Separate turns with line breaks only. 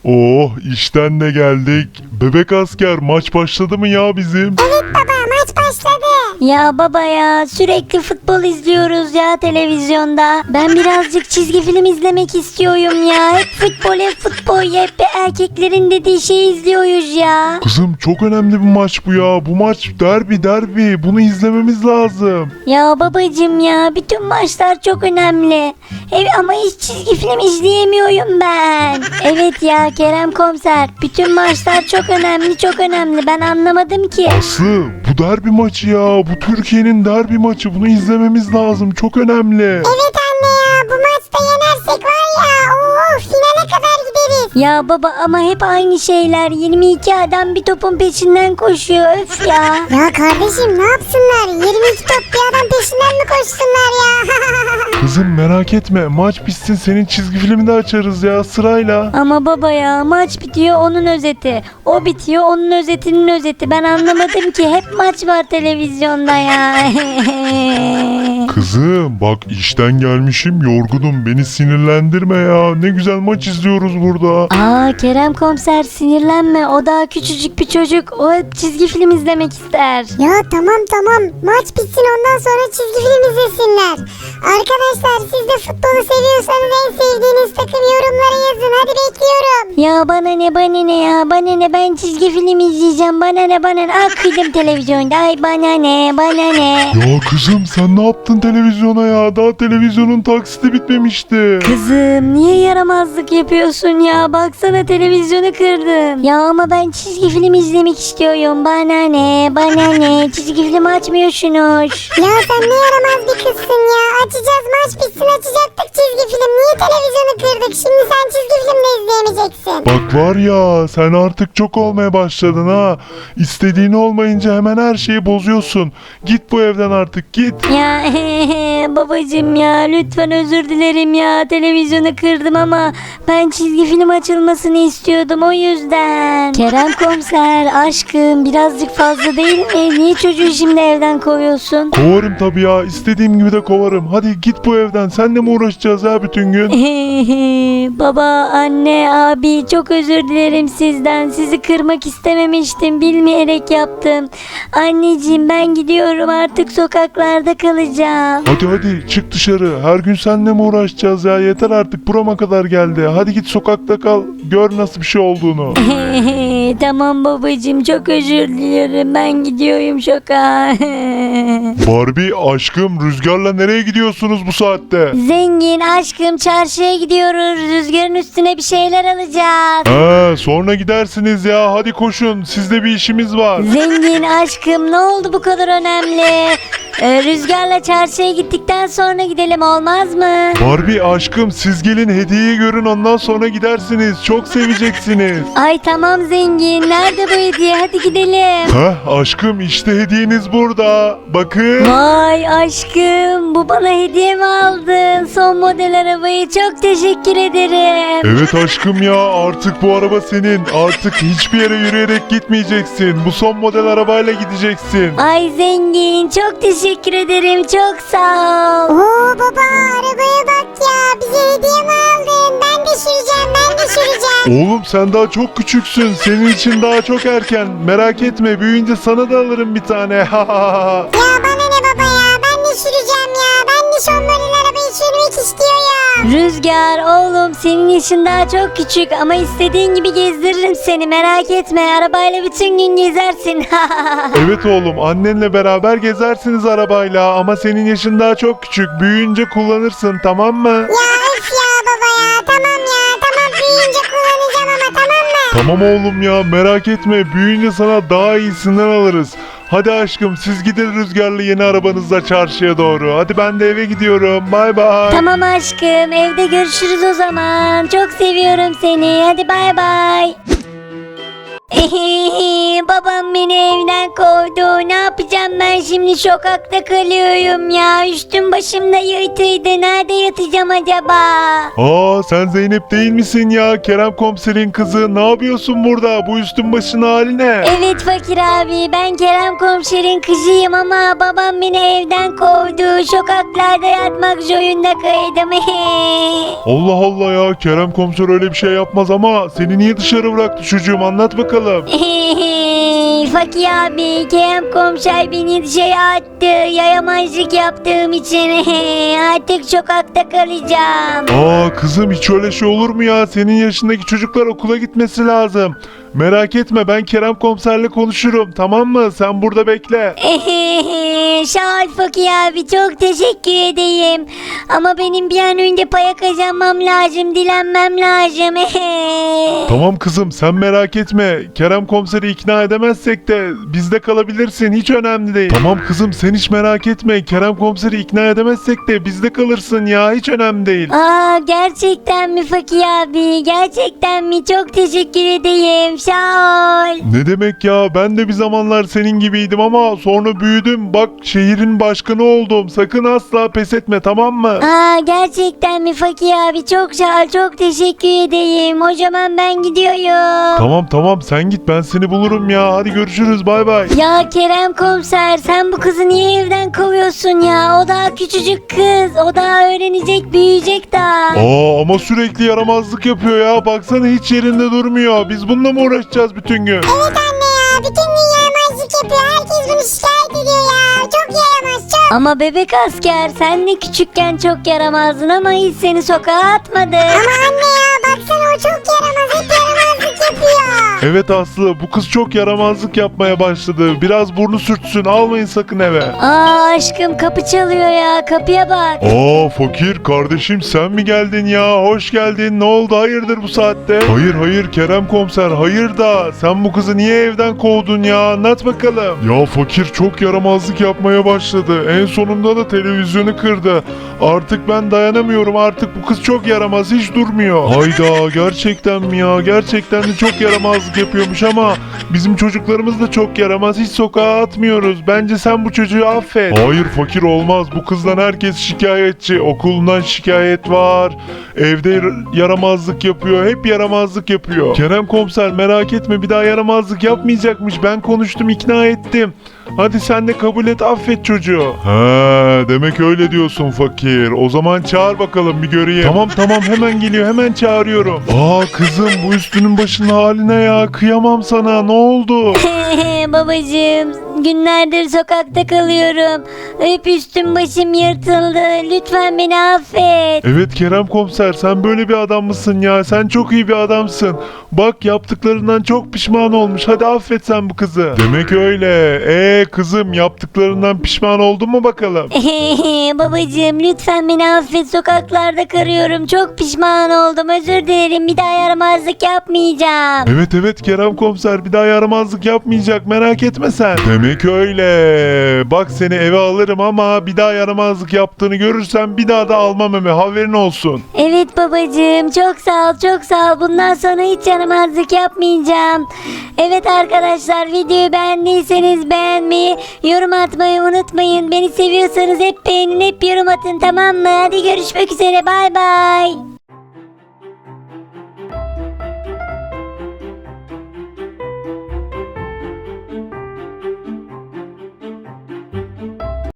Oh, işten de geldik. Bebek asker, maç başladı mı ya bizim?
Evet baba, maç başladı.
Ya baba ya, sürekli futbol izliyoruz ya televizyonda. Ben birazcık çizgi film izlemek istiyorum ya. Hep futbol, hep erkeklerin dediği şeyi izliyoruz ya.
Kızım, çok önemli bir maç bu ya. Bu maç derbi. Bunu izlememiz lazım.
Ya babacım ya, bütün maçlar çok önemli. Ama hiç çizgi film izleyemiyorum ben. Evet ya Kerem komiser, bütün maçlar çok önemli. Ben anlamadım ki.
Aslı, bu derbi maçı ya. Bu Türkiye'nin derbi maçı. Bunu izlememiz lazım. Çok önemli.
Evet anne ya, bu maçta yenersek var ya, finale kadar gideriz.
Ya baba ama hep aynı şeyler. 22 adam bir topun peşinden koşuyor. Öf ya.
Ya kardeşim ne yapsınlar? 22 top bir adam peşinden mi koşsunlar ya?
Kızım, merak etme. Maç bitsin, senin çizgi filmi de açarız ya sırayla.
Ama baba ya, maç bitiyor onun özeti. O bitiyor onun özetinin özeti. Ben anlamadım ki, hep maç var televizyonda ya.
Kızım, bak işten gelmişim, yorgunum. Beni sinirlendirme ya. Ne güzel maç izliyoruz burada.
Aa Kerem komiser, sinirlenme. O daha küçücük bir çocuk. O hep çizgi film izlemek ister.
Ya tamam, maç bitsin ondan sonra çizgi film izlesinler. Arkadaşlar siz de futbolu seviyorsanız en sevdiğiniz takım yorumlara yazın, hadi bekliyorum.
Ya bana ne ben çizgi film izleyeceğim. Bana ne. Kıydım televizyonda. Ay bana ne.
Ya kızım, sen ne yaptın televizyona ya? Daha televizyonun taksiti bitmemişti.
Kızım niye yaramazlık yapıyorsun ya? Baksana televizyonu kırdım. Ya ama ben çizgi film izlemek istiyorum. Bana ne? Çizgi film açmıyorsunuz.
Ya sen ne yaramaz bir kızsın ya. Açacağız, maç bitsin açacaktık çizgi film. Niye televizyonu kırdık? Şimdi sen çizgi film de izleyemeyeceksin.
Bak var ya, sen artık çok olmaya başladın ha. İstediğin olmayınca hemen her şeyi bozuyorsun. Git bu evden artık, git.
Ya babacım ya, lütfen özür dilerim ya. Televizyonu kırdım ama ben çizgi film açılmasını istiyordum, o yüzden. Kerem komiser aşkım, birazcık fazla değil mi? Niye çocuğu şimdi evden kovuyorsun?
Kovarım tabii ya, istediğim gibi de kovarım. Hadi git bu evden, senle mi uğraşacağız ya bütün gün?
Baba, anne, abi, çok özür dilerim sizden. Sizi kırmak istememiştim. Bilmeyerek yaptım. Anneciğim ben gidiyorum, artık sokaklarda kalacağım.
Hadi çık dışarı. Her gün seninle mi uğraşacağız ya? Yeter artık, burama kadar geldi. Hadi git sokakta kal. Gör nasıl bir şey olduğunu.
Tamam babacığım, çok özür dilerim. Ben gidiyorum sokağa.
Barbie aşkım, Rüzgar'la nereye gidiyorsunuz bu saatte?
Zengin aşkım, çarşıya gidiyoruz. Rüzgarın üstüne bir şeyler alacağız.
Sonra gidersiniz ya. Hadi koşun. Sizde bir işimiz var.
Zengin aşkım, ne oldu bu kadar önemli? Rüzgarla çarşıya gittikten sonra gidelim, olmaz mı?
Barbie aşkım, siz gelin hediyeyi görün, ondan sonra gidersiniz. Çok seveceksiniz.
Ay tamam zengin, nerede bu hediye? Hadi gidelim.
Aşkım, işte hediyeniz burada. Bakın.
Vay aşkım, bu bana hediye mi aldın? Son model arabayı, çok teşekkür ederim.
Evet aşkım ya, artık bu araba senin. Artık hiçbir yere yürüyerek gitmeyeceksin. Bu son model arabayla gideceksin.
Ay zengin, çok teşekkür ederim, çok sağ ol.
Oo baba, arabaya bak ya. Bize hediye mi aldın? Ben de süreceğim.
Oğlum, sen daha çok küçüksün. Senin için daha çok erken. Merak etme, büyüyünce sana da alırım bir tane.
Ya bana ne baba ya? Ben de süreceğim ya. Ben de son model arabayı sürmek istiyorum.
Rüzgar oğlum, senin yaşın daha çok küçük ama istediğin gibi gezdiririm seni, merak etme. Arabayla bütün gün gezersin.
Evet oğlum, annenle beraber gezersiniz arabayla ama senin yaşın daha çok küçük. Büyüyünce kullanırsın, tamam mı?
Ya öf ya baba ya. Tamam ya. Tamam, büyüyünce kullanacağım ama, tamam mı?
Tamam oğlum ya, merak etme, büyüyünce sana daha iyisinden alırız. Hadi aşkım, siz gidin Rüzgar'la yeni arabanızla çarşıya doğru. Hadi ben de eve gidiyorum. Bay bay.
Tamam aşkım, evde görüşürüz o zaman. Çok seviyorum seni. Hadi bay bay. Babam beni evden kovdu. Ne yapacağım ben şimdi, sokakta kalıyorum ya. Üstüm başım da yırtıydı. Nerede yatacağım acaba?
Aa, sen Zeynep değil misin ya? Kerem komiserin kızı. Ne yapıyorsun burada? Bu üstün başın hali ne?
Evet Fakir abi, ben Kerem komiserin kızıyım ama babam beni evden kovdu. Sokaklarda yatmak zorunda kaydım.
Allah Allah ya, Kerem komiser öyle bir şey yapmaz ama seni niye dışarı bıraktı çocuğum, anlat bakalım.
Fakir abi, Kerem komiser beni dışarı attı. Yayamazlık yaptığım için artık sokakta kalacağım.
Aa kızım, hiç öyle şey olur mu ya? Senin yaşındaki çocuklar okula gitmesi lazım. Merak etme, ben Kerem komiserle konuşurum, tamam mı? Sen burada bekle.
Sağ ol Fakir abi, çok teşekkür edeyim. Ama benim bir an önce para kazanmam lazım, dilenmem lazım.
Tamam kızım, sen merak etme. Kerem komiseri ikna edemezsek de bizde kalabilirsin, hiç önemli değil. Tamam kızım, sen hiç merak etme. Kerem komiseri ikna edemezsek de bizde kalırsın ya, hiç önemli değil.
Aa, gerçekten mi Fakir abi? Gerçekten mi? Çok teşekkür edeyim. Sağ ol.
Ne demek ya, ben de bir zamanlar senin gibiydim ama sonra büyüdüm. Bak, şehrin başkanı oldum. Sakın asla pes etme, tamam mı?
Aa, gerçekten mi Fakir abi? Çok sağ ol. Çok teşekkür edeyim. O zaman ben gidiyorum.
Tamam tamam, sen git, ben seni bulurum ya. Hadi görüşürüz, bay bay.
Ya Kerem komiser, sen bu kızı niye evden kovuyorsun ya? O daha küçücük kız. O daha öğrenecek, büyüyecek daha.
Aa, ama sürekli yaramazlık yapıyor ya. Baksana, hiç yerinde durmuyor. Biz bununla mı uğraşacağız bütün gün?
Evet anne ya, bütün gün yaramazlık yapıyor. Herkes bunu şikayet ediyor ya. Çok yaramaz, çok.
Ama bebek asker, sen de küçükken çok yaramazdın ama hiç seni sokağa atmadı.
Ama anne ya, baksana o çok yaramaz. Hep yaramazlık yapıyor.
Evet Aslı, bu kız çok yaramazlık yapmaya başladı. Biraz burnu sürtsün, almayın sakın eve.
Aa aşkım, kapı çalıyor ya, kapıya bak.
Aa Fakir kardeşim, sen mi geldin ya? Hoş geldin. Ne oldu, hayırdır bu saatte? Hayır hayır Kerem komiser, hayır da sen bu kızı niye evden kovdun ya? Anlat bakalım. Ya Fakir çok yaramazlık yapmaya başladı. En sonunda da televizyonu kırdı. Artık ben dayanamıyorum, artık bu kız çok yaramaz, hiç durmuyor. Hayda, gerçekten mi ya? Gerçekten de çok yaramazlık yapıyormuş ama bizim çocuklarımız da çok yaramaz, hiç sokağa atmıyoruz. Bence sen bu çocuğu affet. Hayır Fakir, olmaz. Bu kızdan herkes şikayetçi. Okulundan şikayet var. Evde yaramazlık yapıyor. Hep yaramazlık yapıyor. Kerem komiser merak etme, bir daha yaramazlık yapmayacakmış. Ben konuştum, ikna ettim. Hadi sen de kabul et, affet çocuğu. He, demek öyle diyorsun Fakir. O zaman çağır bakalım, bir göreyim. Tamam tamam, hemen geliyor, hemen çağırıyorum. Aa kızım, bu üstünün başının haline ya. Kıyamam sana, ne oldu?
Babacığım, günlerdir sokakta kalıyorum. Hep üstüm başım yırtıldı. Lütfen beni affet.
Evet Kerem komiser, sen böyle bir adam mısın ya? Sen çok iyi bir adamsın. Bak, yaptıklarından çok pişman olmuş. Hadi affet sen bu kızı. Demek öyle. Kızım, yaptıklarından pişman oldun mu bakalım?
Babacığım, lütfen beni affet. Sokaklarda karıyorum. Çok pişman oldum. Özür dilerim. Bir daha yaramazlık yapmayacağım.
Evet evet Kerem komiser, bir daha yaramazlık yapmayacak, merak etme sen. Demek öyle. Bak, seni eve alırım ama bir daha yaramazlık yaptığını görürsem bir daha da almam eve, haberin olsun.
Evet babacığım, çok sağ ol, çok sağ ol. Bundan sonra hiç yaramazlık yapmayacağım. Evet arkadaşlar, videoyu beğendiyseniz beğenmeyi, yorum atmayı unutmayın. Beni seviyorsanız hep beğenin, hep yorum atın, tamam mı? Hadi görüşmek üzere, bay bay.